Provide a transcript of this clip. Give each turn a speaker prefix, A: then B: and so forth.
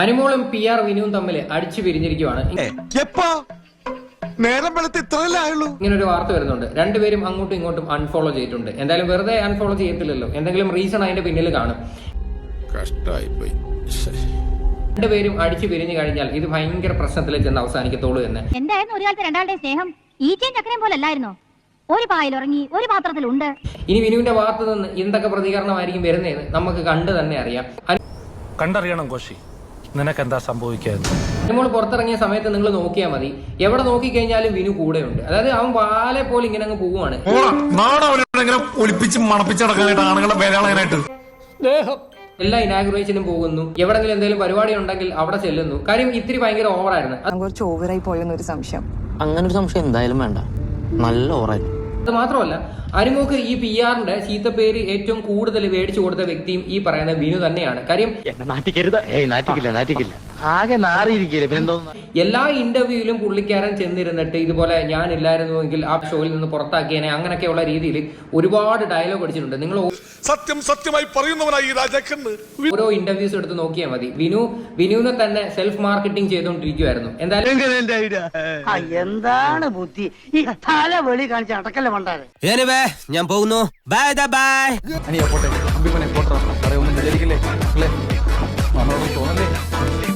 A: അനുമോളും PR വിനുവും തമ്മിൽ അടിച്ചു പിരിഞ്ഞിരിക്കുവാണ്. ഇങ്ങനെ ഒരു വാർത്ത വരുന്നുണ്ട്. രണ്ടുപേരും അങ്ങോട്ടും ഇങ്ങോട്ടും അൺഫോളോ ചെയ്തിട്ടുണ്ട്. എന്തായാലും വെറുതെ അൺഫോളോ ചെയ്യത്തില്ലല്ലോ, എന്തെങ്കിലും റീസൺ അതിന്റെ പിന്നിൽ കാണും. രണ്ടുപേരും അടിച്ചു പിരിഞ്ഞു കഴിഞ്ഞാൽ ഇത് ഭയങ്കര പ്രശ്നത്തിലേക്ക് ചെന്ന് അവസാനിക്കത്തോളൂ എന്ന്.
B: എന്തായിരുന്നു ഒരു കാലത്ത് രണ്ടാളുടെ സ്നേഹം? ഈച്ചയും ചക്കരയും പോലെ അല്ലായിരുന്നോ? ഒരു പായിൽ ഉറങ്ങി ഒരു പാത്രത്തിലുണ്ട്.
A: ഇനി വിനുവിന്റെ ഭാഗത്ത് നിന്ന് എന്തൊക്കെ പ്രതികരണമായിരിക്കും വരുന്നതെന്ന് നമുക്ക് കണ്ടു തന്നെ അറിയാം.
C: കണ്ടറിയണം കോശി, നിനക്കെന്താ സംഭവിക്കാതെ.
A: അനുമോൾ പുറത്തിറങ്ങിയ സമയത്ത് നിങ്ങൾ നോക്കിയാൽ മതി, എവിടെ നോക്കിക്കഴിഞ്ഞാലും വിനു കൂടെയുണ്ട്. അതായത് അവൻ വാലെ പോലെ ഇങ്ങനെ അങ്ങ് പോവുകയാണ്. എല്ലാ ഇനാഗുറേഷനും പോകുന്നു, എവിടെങ്കിലും എന്തെങ്കിലും പരിപാടി ഉണ്ടെങ്കിൽ അവിടെ ചെല്ലുന്നു. കാര്യം ഇത്തിരി ഭയങ്കര ഓവറായിരുന്നു.
D: കുറച്ച് ഓവറായി പോയെന്നൊരു സംശയം.
E: അങ്ങനെ ഒരു സംശയം എന്തായാലും വേണ്ട, നല്ല ഓവറായി.
A: അത് മാത്രമല്ല, അനുമോക്ക് ഈ PR-ന്റെ ചീത്തപ്പേര് ഏറ്റവും കൂടുതൽ മേടിച്ചു കൊടുത്ത വ്യക്തിയും ഈ പറയുന്ന വിനു തന്നെയാണ്. കാര്യം
E: ആകെ നാറിയിരിക്കില്ല പിന്നെന്തോ.
A: എല്ലാ ഇന്റർവ്യൂവിലും പുള്ളിക്കാരൻ ചെന്നിരുന്നിട്ട് ഇതുപോലെ ഞാനില്ലായിരുന്നുവെങ്കിൽ ആ ഷോയിൽ നിന്ന് പുറത്താക്കിയനെ അങ്ങനെയൊക്കെയുള്ള രീതിയിൽ ഒരുപാട് ഡയലോഗ് അടിച്ചിട്ടുണ്ട്. നിങ്ങൾ
F: സത്യമായി പറയുന്നവനായി ഈ രാജാക്കന്ന്
A: ഓരോ ഇന്റർവ്യൂസ് എടുത്ത് നോക്കിയാൽ മതി. വിനുവിനെ തന്നെ സെൽഫ് മാർക്കറ്റിംഗ് ചെയ്തുകൊണ്ടിരിക്കുവായിരുന്നു. എന്തായാലും
G: എന്താണ് ബുദ്ധി ഈ തല വെളി കാണിച്ച് അടക്കല്ലേ മണ്ടാരെ.
E: ഞാൻ പോകുന്നു. Bye bye.
H: പോട്ടെ, ഒന്നും വിചാരിക്കില്ലേ? തോന്നല്ലേ?